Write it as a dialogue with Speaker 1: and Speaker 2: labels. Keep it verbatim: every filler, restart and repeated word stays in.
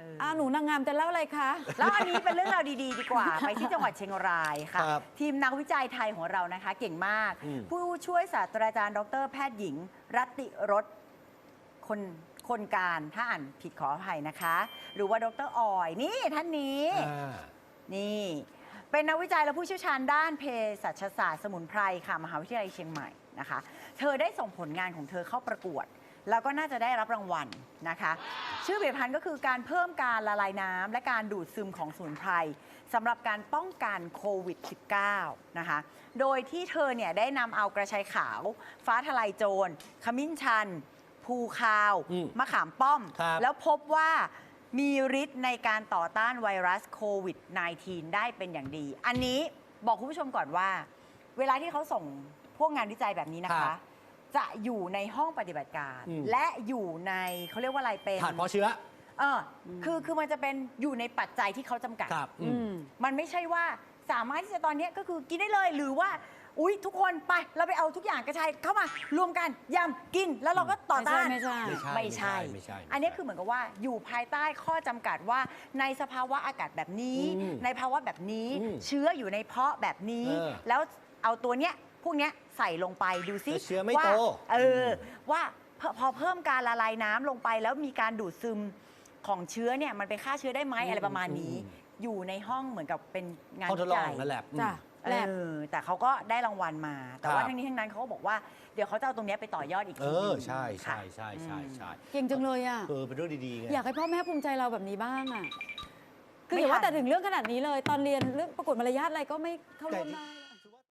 Speaker 1: อ่าหนูนางงามจะเล่าอะไรคะ
Speaker 2: แล้วอันนี้เป็นเรื่องราวดีๆดีกว่า ไปที่จังหวัดเชียงรายค่ะ ทีมนักวิจัยไทยของเรานะคะเก่งมาก ผู้ช่วยศาสตราจารย์ดรแพทย์หญิง รัตติรสคนคนการถ้าอ่านผิดขออภัยนะคะ หรือว่าดรออยนี่ท่านนี้นี่เป็นนักวิจัยและผู้เชี่ยวชาญด้านเภสัชศาสตร์สมุนไพรค่ะมหาวิทยาลัยเชียงใหม่นะคะเธอได้ส่งผลงานของเธอเข้าประกวดแล้วก็น่าจะได้รับรางวัลนะคะชื่อผลิตภัณฑ์ก็คือการเพิ่มการละลายน้ำและการดูดซึมของสมุนไพรสำหรับการป้องกันโควิด สิบเก้า นะคะโดยที่เธอเนี่ยได้นำเอากระชายขาวฟ้าทะลายโจรขมิ้นชันภูคาวมะขามป้อมแล้วพบว่ามีฤทธิ์ในการต่อต้านไวรัสโควิด สิบเก้า ได้เป็นอย่างดีอันนี้บอกคุณผู้ชมก่อนว่าเวลาที่เขาส่งพวกงานวิจัยแบบนี้นะคะจะอยู่ในห้องปฏิบัติการและอยู่ในเขาเรียกว่าอะไรเป็น
Speaker 3: ฐานเพาะเชื้อ
Speaker 2: เออคือคือมันจะเป็นอยู่ในปัจจัยที่เขาจำกัดมันไม่ใช่ว่าสามารถที่จะตอนนี้ก็คือกินได้เลยหรือว่าอุ๊ยทุกคนไปเราไปเอาทุกอย่างกระชายเข้ามารวมกันยำกินแล้วเราก็ต่อต้าน
Speaker 1: ไม่ใช่
Speaker 2: ไม่ใช่อันนี้คือเหมือนกับว่าอยู่ภายใต้ข้อจำกัดว่าในสภาวะอากาศแบบนี้ในภาวะแบบนี้เชื้ออยู่ในเพาะแบบนี้แล้วเอาตัวเนี้ยพวกเนี้ยใส่ลงไปดูซิ
Speaker 3: เชื้อไม่โต
Speaker 2: เออว่าพอเพิ่มการละลายน้ำลงไปแล้วมีการดูดซึมของเชื้อเนี่ยมันไปฆ่าเชื้อได้ไหมอะไรประมาณนี้อยู่ในห้องเหมือนกับเป็นงานวิจัย
Speaker 3: นั่นแหละ
Speaker 1: จ้ะ
Speaker 2: เออแต่เขาก็ได้รางวัลมาแต่ว่าทั้งนี้ทั้งนั้นเขาก็บอกว่าเดี๋ยวเขาจะเอาตรงนี้ไปต่อยอดอีกที
Speaker 3: นึงเออใช่ใช่ใช่ใช่ใช่
Speaker 1: เก่งจังเลยอ่ะ
Speaker 3: เออเป็นเรื่องดีๆไง
Speaker 1: อยากให้พ่อแม่ภูมิใจเราแบบนี้บ้างอ่ะคืออย่าว่าแต่ถึงเรื่องขนาดนี้เลยตอนเรียนเรื่องประกวดมารยาทอะไรก็ไม่เข้าร่วมได้